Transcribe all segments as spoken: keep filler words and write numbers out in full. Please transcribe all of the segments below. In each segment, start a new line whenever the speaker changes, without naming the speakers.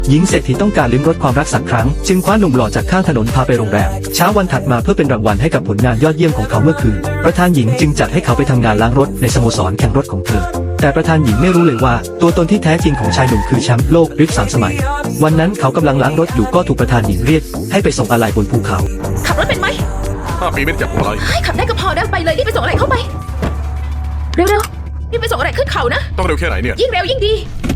หญิงเศรษฐีต้องการลิ้มรสความรักสักครั้งจึงคว้าหนุ่มหล่อจากข้างถนนพาไปโรงแรมเช้าวันถัดมาเพื่อเป็นรางวัลให้กับผลงานยอดเยี่ยมของเขาเมื่อคืนประธานหญิงจึงจัดให้เขาไปทำงานล้างรถในสโมสรแข่งรถของเธอแต่ประธานหญิงไม่รู้เลยว่าตัวตนที่แท้จริงของชายหนุ่มคือแชมป์โลกริฟสามสมัยวันนั้นเขากำลังล้างรถอยู่ก็ถูกประธานหญิงเรียกให้ไปส่งอะไหล่บนภูเขา
ขับรถเป็นไหม
ห้าปีไม่ได้จับพวงมาลัย
ให้ขับได้ก็พอได้ไปเลยรีบไปส่งอะไรเข้าไปเร็วๆรีบไปส่งอะไรขึ้นเขานะ
ต้องเร็วแค่ไหนเนี่ย
ยิ่งเร็วยิ่งดี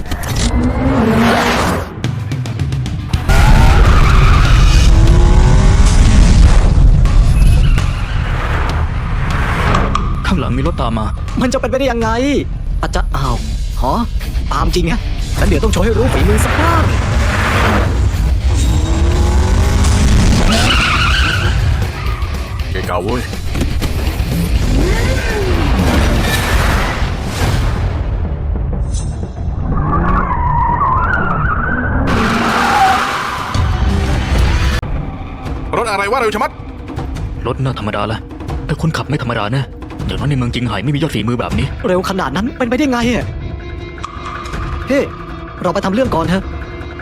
ข้างหลังมีรถตามมา
มันจะเป็นไปได้ยังไงอาจจะอ้าวหอตามจริงไงงั้นเดี๋ยวต้องโชว์ให้รู้ฝีมือสักบ้าง
เก่งเก่าเว้ยรถอะไรวะเร็วชะมัด
รถน่าธรรมดาละแต่คนขับไม่ธรรมดาแน่อย่างน้อยในเมืองจิงไห่ไม่มียอดฝีมือแบบนี้
เร็วขนาดนั้นเป็นไปได้ไงอ่ะเฮ้เราไปทำเรื่องก่อนเถอะ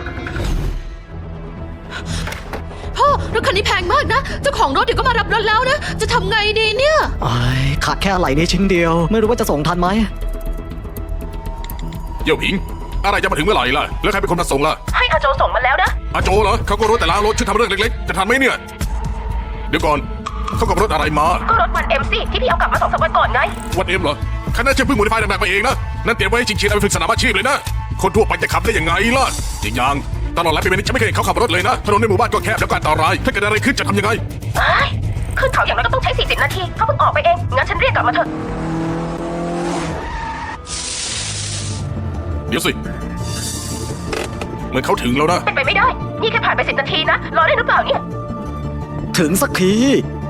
พ่อรถคันนี้แพงมากนะเจ้าของรถเดี๋ยวก็มารับรถแล้วนะจะทำไงดีเนี่ย
ไอ้ขาดแค่อะไหล่นี้ชิ้นเดียวไม่รู้ว่าจะส่งทันไหม
เยี่ยวผิงอะไรจะมาถึงเมื่อไหร่ล่ะแล้วใครเป็นคนมาส่งล่ะ
ให้อาโจส่งมาแล้วนะ
อาโจเหรอเขาก็รู้แต่ล้างรถช่วยทำเรื่องเล็กๆจะทันไหมเนี่ยเดี๋ยวก่อนเขากับรถอะไรมา
ก็รถวันเอ็มสิที่พี่เอากลับมาสองสามวันก่อนไง
วันเอ็มเหรอคันนั้นจะเพิ่งโมดิฟายหนักๆไปเองนะนั่นเตรียมไว้จริงๆเอาไปฝึกสนามอาชีพเลยนะคนทั่วไปจะขับได้ยังไงล่ะจริงยังตลอดหลายปีนี้ฉันไม่เคยเห็นเขาขับรถเลยนะถนนในหมู่บ้านก็แคบแล้วก็อันตรายถ้าเกิดอะไรขึ้นจะทำยังไง
ขึ้นเขาอย่างน้อยก็ต้องใช้สี่สิบนาทีเขาเพิ่งออกไปเองงั้นฉันเรียกกลับมาเถอะ
เดี๋ยวสิเหมือนเขาถึงแล้วนะ
เป็นไปไม่ได้นี่แค่ผ่านไปสิบนาทีนะรอได้หรือเปล่าเนี่ย
ถึงสักที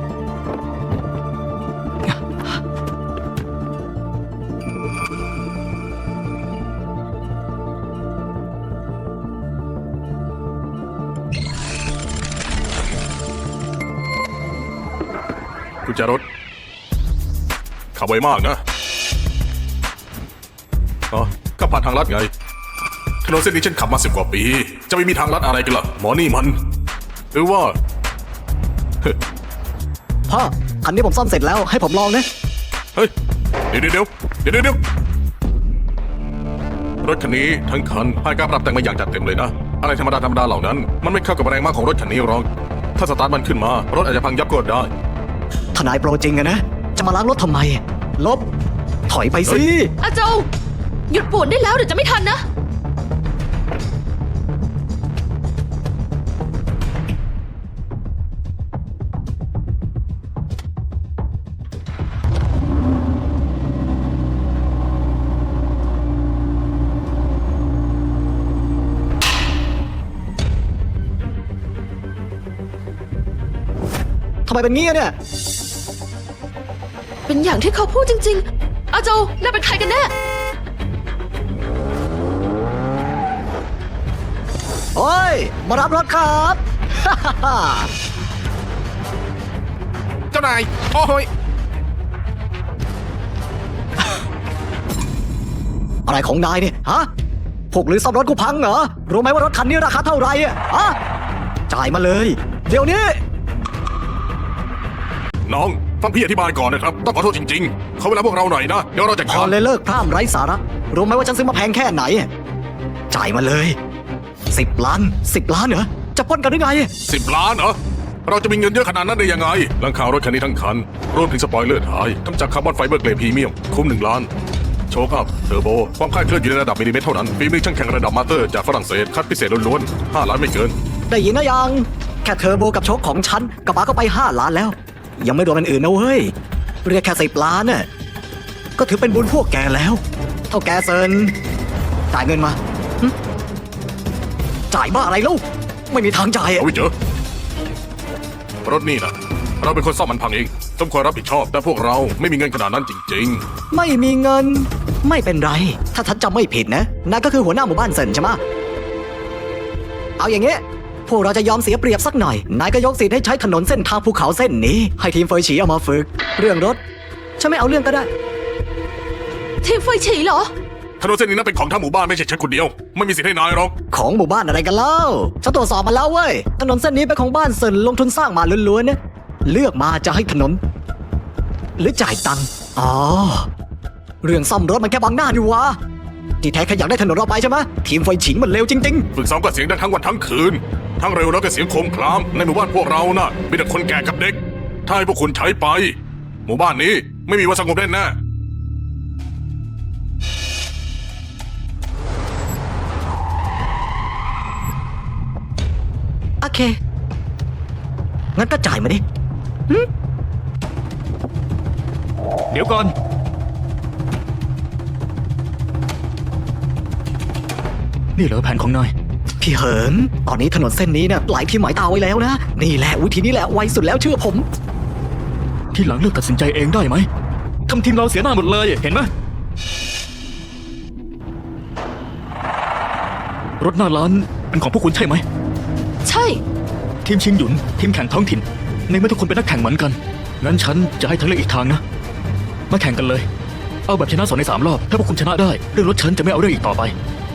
กุญแจรถขับไวมากนะอ๋อก็ผ่านทางลัดไงถนนเส้นนี้ฉันขับมาสิบกว่าปีจะไม่มีทางลัดอะไรกันล่ะหมอนี่มันหรือว่า
พ่อคันนี้ผมซ่อมเสร็จแล้วให้ผมลองนะ
เฮ้ยเดี๋ยวเดี๋ยวเดี๋ยวเดี๋ยวรถคันนี้ทั้งคันผ่านการปรับแต่งมาอย่างจัดเต็มเลยนะอะไรธรรมดาธรรมดาเหล่านั้นมันไม่เข้ากับแรงมากของรถคันนี้หรอกถ้าสตาร์ทมันขึ้นมารถอาจจะพังยับก็ได้
ทนายโปรจริงอะนะจะมาล้างรถทำไมลบถอยไปสิ
อาโจหยุดปวดได้แล้วเดี๋ยวจะไม่ทันนะ
ทำไมเป็นงี้เนี่ย
เป็นอย่างที่เขาพูดจริงๆอาโจน่าเป็นใครกันแน่
โอ้ยมารับรถครับ
เจ้านายโอ้ย
อะไรของนายเนี่ยฮะพวกหรือซ่อมรถกูพังเหรอรู้ไหมว่ารถคันนี้ราคาเท่าไหร่อ่ะฮะจ่ายมาเลยเดี๋ยวนี้
น้องฟังพี่อธิบายก่อนนะครับต้องขอโทษจริงๆเขาเวลาพวกเราหน่อยนะเดี๋ยวเราจะ
ขอเลยเลิกพร่ำไร้สาระรู้ไหมว่าฉันซื้อมาแพงแค่ไหนจ่ายมาเลยสิบล้านสิบล้านเหรอจะปล้นกันหรือไง
สิบล้านเหรอเราจะมีเงินเยอะขนาดนั้นได้ยังไงหลังคารถคันนี้ทั้งคันรวมถึงสปอยเลอร์ท้ายทำจากคาร์บอนไฟเบอร์เกรดพรีเมียมคุ้มหนึ่งล้านโชคอัพเทอร์โบความคลาดเคลื่อนอยู่ในระดับมิลลิเมตรเท่านั้นฝีมือช่างแข่งระดับมาสเตอร์จากฝรั่งเศสคัดพิเศษล้วนๆห้าล้านไม่เกิน
ได้ยินนะยังแค่เทอร์โบกับโชคของฉันกระบะก็ไปห้าล้านแล้วยังไม่รวมอันอื่นนะเว้ยเรียกแค่สิบล้านน่ะก็ถือเป็นบุญพวกแกแล้วเท่าแกเซินจ่ายเงินมาจ่ายบ้าอะไรลูกไม่มีทางจ่าย
เอาไว้เจอรถนี่นะเราเป็นคนซ่อมมันพังเองต้องคอยรับผิดชอบแต่พวกเราไม่มีเงินขนาดนั้นจริง
ๆไม่มีเงินไม่เป็นไรถ้าฉันจำไม่ผิดนะนั่นก็คือหัวหน้าหมู่บ้านเซินใช่ไหมเอาอย่างเงี้ยพวกเราจะยอมเสียเปรียบสักหน่อยนายก็ยกสิทธิ์ให้ใช้ถนนเส้นทางภูเขาเส้นนี้ให้ทีมเฟยฉีเอามาฝึกเรื่องรถฉันไม่เอาเรื่องก็ได้
ทีมเฟยฉีเหรอ
ถนนเส้นนี้นั้นเป็นของทั้งหมู่บ้านไม่ใช่ฉันคนเดียว ไม่มีสิทธิ์ให้นายหรอก
ของหมู่บ้านอะไรกันเล่าฉันตรวจสอบมาแล้วเว้ยถนนเส้นนี้เป็นของบ้านเซินลงทุนสร้างมาล้วนๆนะเลือกมาจะให้ถนน หรือจ่ายตังค์อ๋อเรื่องซ่อมรถมันแค่บังหน้าดีวะที่แท้แค่อยากได้ถนนเราไปใช่ไหมทีมไฟฉิงมันเร็วจริง
ฝึกซ้อมก็เสียงดังทั้งวันทั้งคืน ทั้งเร็วแล้วก็เสียงโครมคราม ในหมู่บ้านพวกเราน่ะมีแต่คนแก่กับเด็ก ถ้าให้พวกคุณใช้ไป หมู่บ้านนี้ไม่มีวันสงบแน่แน่
ๆโอเคงั้นก็จ่ายมาดิ
เดี๋ยวก่อน นี่เหรอแผนของนาย
พี่เหินตอนนี้ถนนเส้นนี้เนี่ยหลายพี่หมายตาไว้แล้วนะนี่แหละวิธีนี้แหละไวสุดแล้วเชื่อผม
ที่หลังเลือกตัดสินใจเองได้ไหมทำทีมเราเสียหน้าหมดเลยเห็นไหมรถหน้าร้านเป็นของพวกคุณใช่ไหม
ใช่
ทีมชิงหยุนทีมแข่งท้องถิ่นในเมื่อทุกคนเป็นนักแข่งเหมือนกันงั้นฉันจะให้เธอเลือกอีกทางนะมาแข่งกันเลยเอาแบบชนะสองในสามรอบถ้าพวกคุณชนะได้เรื่องรถฉันจะไม่เอาเรื่องอีกต่อไป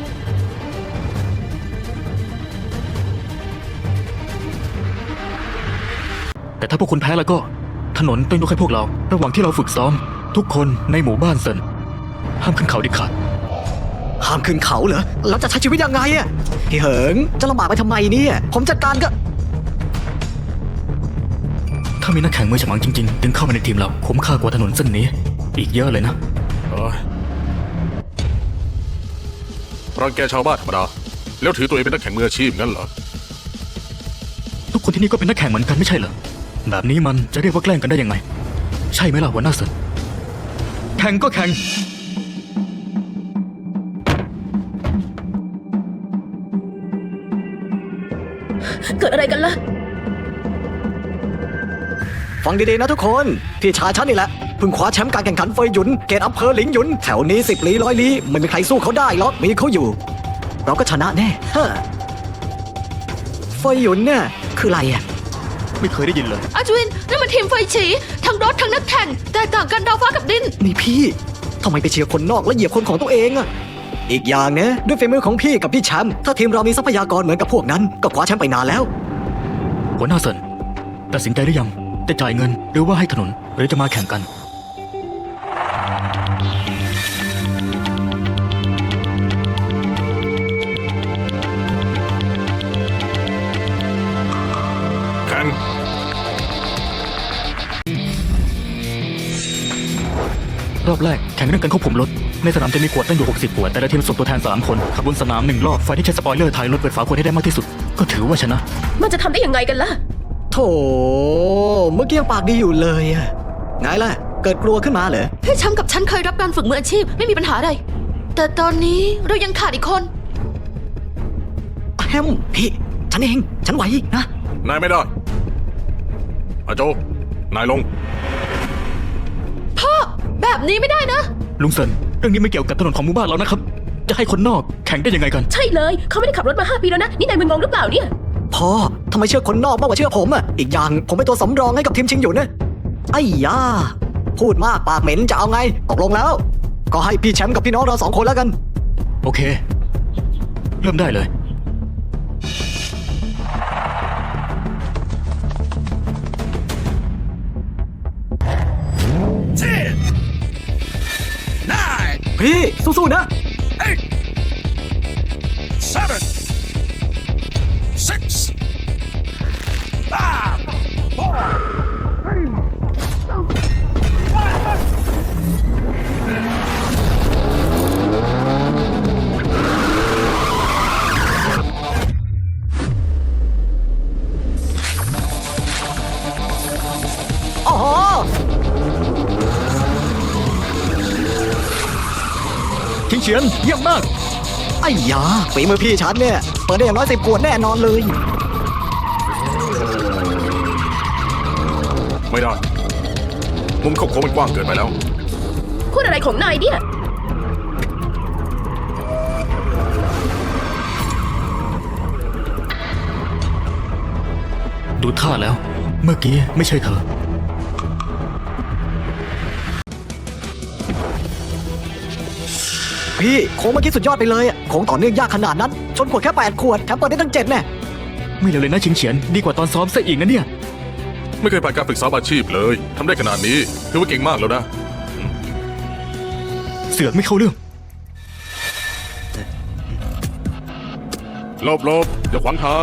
แต่ถ้าพวกคุณแพ้แล้วก็ถนนต้องยกให้พวกเรา ระหว่างที่เราฝึกซ้อม ทุกคนในหมู่บ้านเซินห้ามขึ้นเขาเด็ดขาด
ห้ามขึ้นเขาเหรอแล้วจะใช้ชีวิตยังไงอะพี่เหิงจะลำบากไปทำไมเนี่ยผมจัดการก็
ถ้ามีนักแข่งมือฉมังจริงๆดึงเข้ามาในทีมเราคุ้มค่ากว่าถนนเส้นนี้ อีกเยอะเลยนะ
ๆเอ้ยรังแกชาวบ้านธรรมดา แล้วถือตัวเองเป็นนักแข่งมืออาชีพงั้นเหรอ
ทุกคนที่นี่ก็เป็นนักแข่งเหมือนกันไม่ใช่เหรอแบบนี้มันจะเรียกว่าแกล้งกันได้ยังไง ใช่ไหมล่ะหัวหน้าเซินแข่งก็แข่ง
เกิดอะไรกันล่ะ
ฟังดีๆนะทุกคนพี่ชายฉันนี่แหละเพิ่งคว้าแชมป์การแข่งขันเฟยหยุนเกตอำเภอหลิงหยุนแถวนี้สิบลี้ร้อยลี้ไม่มีใครสู้เขาได้หรอกมีเขาอยู่ เราก็ชนะแน่ฮะเฟยหยุนเนี่ยคืออะไรอ่ะ
ไม่เคยได้ยินเลย
อาจวินนั่นมันทีมไฟฉีทั้งรถทั้งนักแข่งแตกต่างกันดาวฟ้ากับดิน
นี่พี่ทำไมไปเชียร์คนนอกแล้วเหยียบคนของตัวเองอ่ะอีกอย่างนะด้วยฝีมือของพี่กับพี่แชมป์ถ้าทีมเรามีทรัพยากรเหมือนกับพวกนั้นก็คว้าแชมป์ไปนานแล้ว
หัวหน้าเซินตัดสินใจหรือยังจะจ่ายเงินหรือว่าให้ถนนหรือจะมาแข่งกัน
แข่ง
รอบแรกแข่งเรื่องการควบคุมรถในสนามจะมีขวดตั้งอยู่หกสิบขวดแต่ละทีมส่งตัวแทนสามคนขับบนสนามหนึ่งรอบฝ่ายที่ใช้สปอยเลอร์ถ่ายรถเปิดฝาขวดให้ได้มากที่สุดก็ถือว่าชนะ
มันจะทำได้ยังไงกันล่ะ
โถเมื่อกี้ยังปากดีอยู่เลยอะไงล่ะเกิดกลัวขึ้นมาเหรอ
พี่แชมป์กับฉันเคยรับการฝึกมืออาชีพไม่มีปัญหาอะไร แต่ตอนนี้เรายังขาดอีกคน
แฮมพี่ฉันเองฉันไหวนะ
นายไม่ได้อาโจ นายลง
พ่อ แบบนี้ไม่ได้นะ
ลุงเซินเรื่องนี้ไม่เกี่ยวกับถนนของหมู่บ้านเรานะครับจะให้คนนอกแข่งได้ยังไงกัน
ใช่เลย เขาไม่ได้ขับรถมาห้าปีแล้วนะ นี่นายมึนงงหรือเปล่าเนี่ย
พ่อทำไมเชื่อคนนอกมากกว่าเชื่อผมอะอีกอย่างผมเป็นตัวสำรองให้กับทีมชิงอยู่นะไอ้ยาพูดมากปากเหม็นจะเอาไงตกลงแล้ว ก็ให้พี่แชมป์กับพี่น้องเราสองคนแล้วกัน
โอเค เริ่มได้เลย
พี่สู้ๆนะ
seven, six, five, four, three, two, one.
โอ้โห
ทิ้งเฉียนเยี่ยมมาก
ไอ้ยาฝีมือพี่ฉันเนี่ยเปิดได้อย่างน้อยสิบขวดแน่นอนเลย
ไม่ได้ มุมเข้าโค้งมันกว้างเกินไปแล้ว
พูดอะไรของนายเนี่ย
ดูท่าแล้ว เมื่อกี้ไม่ใช่เธอ
พพี่โค้งเมื่อกี้สุดยอดไปเลยอะโค้งต่อเนื่องยากขนาดนั้น ชนขวดแค่แปดขวดแถมเปิดได้ตั้งเจ็ดแน่
ไม่เลวเลยนะชิงเฉียนดีกว่าตอนซ้อมซะอีกนะเนี่ย
ไม่เคยผ่านการฝึกซ้อมอาชีพเลยทำได้ขนาดนี้ถือว่าเก่งมากแล้วนะ
เสือกไม่เข้าเรื่อง
หลบหลบอย่าขวางทาง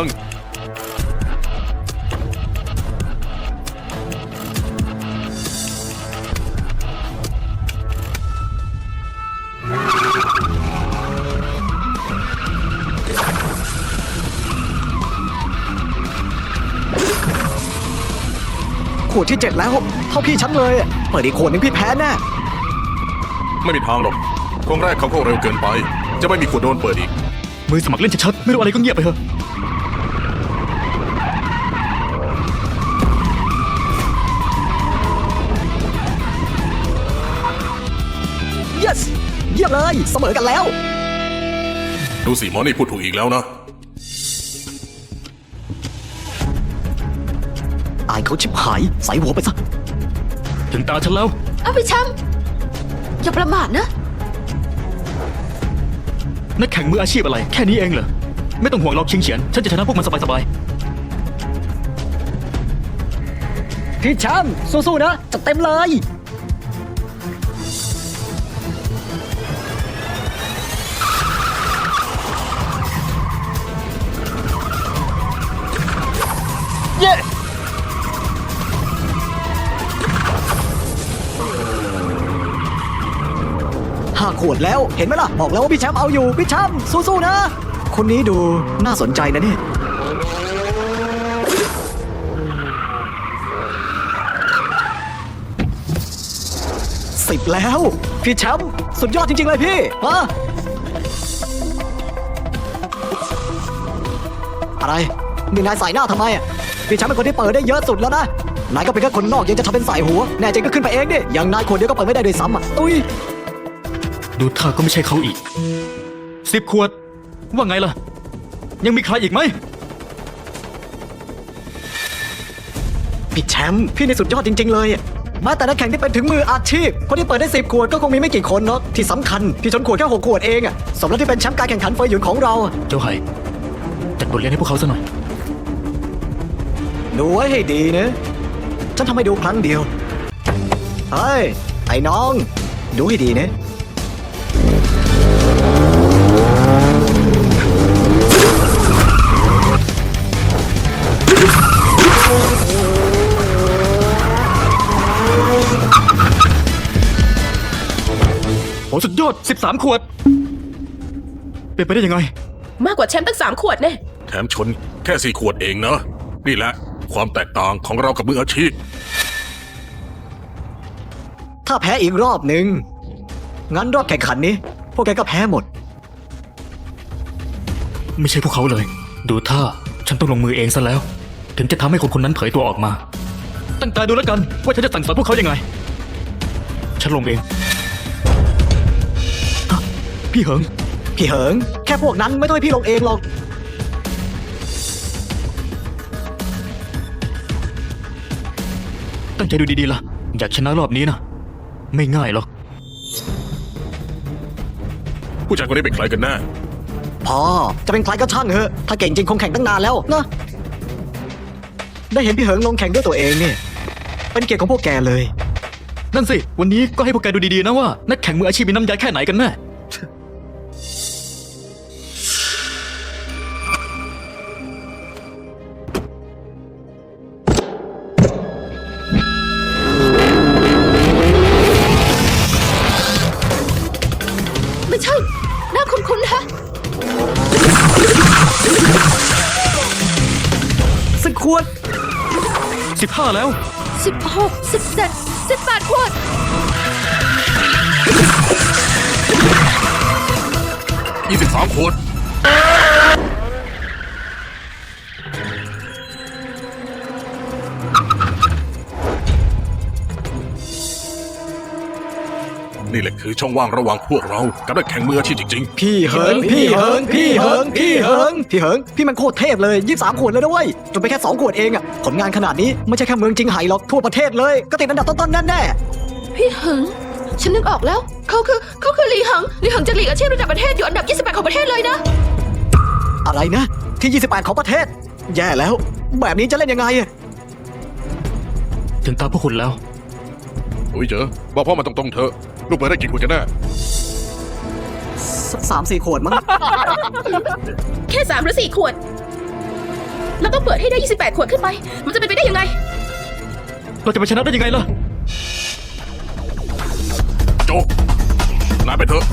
ขวดที่เจ็ดแล้ว เท่าพี่ฉันเลยอะเปิดอีกขวดหนึงพี่แพ้แน่
ไม่มีทางหรอกโค้งแรกเขาเข้าเร็วเกินไป จะไม่มีขวดโดนเปิดอีก
มือสมัครเล่นชัดๆไม่รู้อะไรก็เงียบไปเถอะ
yes เยี่ยมเลยเสมอกันแล้ว
ดูสิหมอนี่พูดถูกอีกแล้วนะ
อายเขาชิบหายใส่หัวไปซะ
ถึงตาฉันแล้ว
เอาพี่แชมป์อย่าประมาทนะ
นักแข่งมืออาชีพอะไร แค่นี้เองเหรอ ไม่ต้องห่วงหรอกชิงเฉียน ฉันจะชนะพวกมันสบาย
พี่แชมป์สู้ๆนะจัดเต็มเลย เย้ ห้าขวดแล้วเห็นไหมล่ะ บอกแล้วว่าพี่แชมป์เอาอยู่ พี่แชมป์สู้ๆนะ คนนี้ดูน่าสนใจนะเนี่ย สิบแล้ว พี่แชมป์สุดยอดจริง ๆ เลยพี่ฮะอะไรนี่นายใส่หน้าทำไมอ่ะพี่แชมป์เป็นคนที่เปิดได้เยอะสุดแล้วนะนายก็เป็นแค่คนนอกยังจะทำเป็นใส่หัวแน่จริงก็ขึ้นไปเองดิอย่างนายคนเดียวก็เปิดไม่ได้ด้วยซ้ำอ่ะตุ้ย
ๆ ดูท่าก็ไม่ใช่เขาอีก สิบขวด ว่าไงล่ะ ยังมีใครอีกไหม
พี่แชมป์พี่ในสุดยอดจริง ๆ เลยอะแม้แต่นักแข่งที่เป็นถึงมืออาชีพคนที่เปิดได้สิบขวดก็คงมีไม่กี่คนเนาะที่สำคัญพี่ชนขวดแค่หกขวดเองอ่ะสมแล้วที่เป็นแชมป์การแข่งขันเฟยหยุนของเราอะ
เจ้าไห่จัดบทเรียนให้พวกเขาซะหน่อย
ดูไว้ให้ดีนะฉันทำให้ดูครั้งเดียวเฮ้ยไอ้น้องดูให้ดีนะ
โอ้สุดยอด สิบสาม ขวด เป็นไปได้ยังไง
มากกว่าแชมป์ตั้งสามขวดแน่
แถมชนแค่สี่ขวดเองนะ นี่แหละความแตกต่างของเรากับมืออาชีพ
ถ้าแพ้อีกรอบหนึ่งงั้นรอบแข่งขันนี้ พวกแกก็แพ้หมด
ไม่ใช่พวกเขาเลย ดูท่า ฉันต้องลงมือเองซะแล้ว ถึงจะทำให้คนคนนั้นเผยตัวออกมา ตั้งใจดูแล้วกัน ว่าฉันจะสั่งสอนพวกเขายังไง ฉันลงเองฮะพี่เหิง
พี่เหิงแค่พวกนั้นไม่ต้องให้พี่ลงเองหรอก
ตั้งใจดูดีๆล่ะ อยากชนะรอบนี้นะ ไม่ง่ายหรอก
ผู้ชายคนนี้เป็นใครกันแน่
พอจะเป็นใครก็ช่างเถอะถ้าเก่งจริงคงแข่งตั้งนานแล้วนะได้เห็นพี่เหิงลงแข่งด้วยตัวเองเนี่ยเป็นเกียรติของพวกแกเลย
นั่นสิ วันนี้ก็ให้พวกแกดูดีๆนะว่า นักแข่งมืออาชีพมีน้ำยาแค่ไหนกันแน่
ไม่ใช่ หน้าคุ้นๆฮะ
สิบขวด
สิบห้า แล้ว
สิบหก สิบเจ็ด สิบแปดขวด
ยี่สิบสามขวด นี่แหละคือช่องว่างระหว่างพวกเรากับนักแข่งมืออาชีพจริง
พี่เหิงพี่เหิงพี่เหิงพี่เหิงพี่เหิงพี่มันโคตรเทพเลยยี่สิบสามขวดเลยด้วยจนไปแค่สองขวดเองอะผลงานขนาดนี้ไม่ใช่แค่เมืองจิงไห่หรอกทั่วประเทศเลยก็ติดอันดับต้นๆแน่
พี่เหิงฉันนึกออกแล้ว เขาคือเขาคือหลีหังหลีหังจากหลีกอาชีพระดับประเทศอยู่อันดับยี่สิบแปดของประเทศเลยนะ
อะไรนะ ที่ ยี่สิบแปด ของประเทศ แย่แล้ว แบบนี้จะเล่นยังไงอะ
ถึงตาพวกคุณแล้ว
อุ้ยเจอบอกพ่อมาตรงๆเถอะลูกเปิดได้กี่ขวดกันแน่
สสามสี่ขวดมั้ง
แค่สามหรือสี่ขวด แล้วต้องเปิดให้ได้ยี่สิบแปดขวดขึ้นไป มันจะเป็นไปได้ยังไง
เราจะไปชนะได้ยังไงล่ะ
โจนายไปเถอะ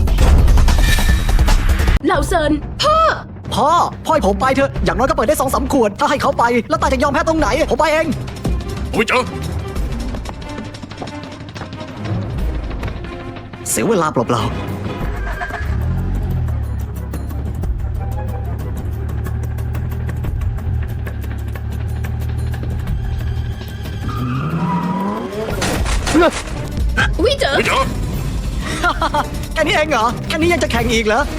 เหล่าเซิน
พ่อ พ่อให้ผมไปเถอะ อย่างน้อยก็เปิดได้สองสามขวด ถ้าให้เขาไป แล้วตาจะยอมแพ้ตรงไหน ผมไปเอง
อุ้ยเจอ
เสียเวลาเปล่าๆ
วิเจอ
อุ้ยเจอ
แค่นี้เองเหรอ แค่นี้ยังจะแข่งอีกเหรอ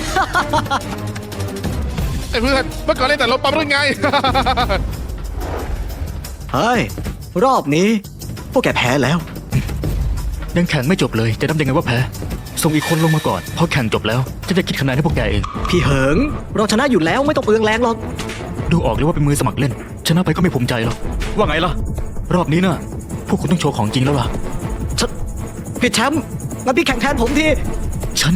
ไอ้เพื่อนเมื่อก่อนเล่นแต่รถปั๊มหรือไง
เฮ้ย รอบนี้ พวกแกแพ้แล้ว
ยังแข่งไม่จบเลยจะนับยังไงว่าแพ้ ส่งอีกคนลงมาก่อนพอแข่งจบแล้วจะจะคิดคะแนนให้พวกแกเอง
พี่เหิง เราชนะอยู่แล้วไม่ต้องเปลืองแรงหรอก
ดูออกเลยว่าเป็นมือสมัครเล่น ชนะไปก็ไม่ภูมิใจหรอกว่าไงล่ะ รอบนี้น่ะ พวกคุณต้องโชว์ของจริงแล้วล่ะ
ฉันพี่แชมป์งั้นพี่แข่งแทนผมที
ฉัน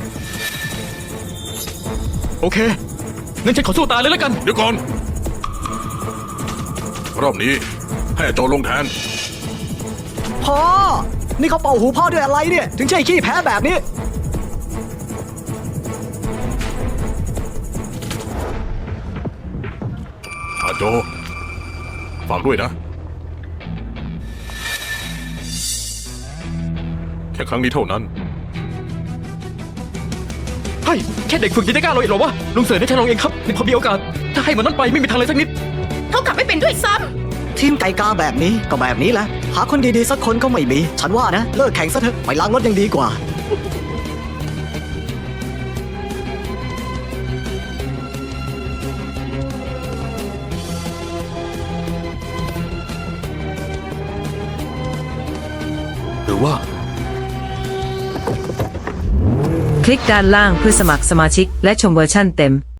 โอเคงั้นฉันขอสู้ตายเลยแล้วกัน
เดี๋ยวก่อน รอบนี้ให้โจลงแทน
พ่อ นี่เขาเป่าหูพ่อด้วยอะไรเนี่ย ถึงใช่ขี้แพ้แบบนี้
อาโจ ฝากด้วยนะ แค่ครั้งนี้เท่านั้น
เฮ้ยแค่เด็กฝึกยังจะกล้าลงอีกเหรอวะลุงเสือให้ฉันลองเองครับนี่พอมีโอกาส ถ้าให้มันนั้นไปไม่มีทางเลยสักนิด
เท่ากับไม่เป็นด้วยซ้
ทีมไก่กาแบบนี้ก็แบบนี้แหละ หาคนดีๆสักคนก็ไม่มี ฉันว่านะ เลิกแข่งซะเถอะ ไปล้างรถยังดีกว่า
หรือว่า
คลิกด้านล่างเพื่อสมัครสมาชิกและชมเวอร์ชั่นเต็ม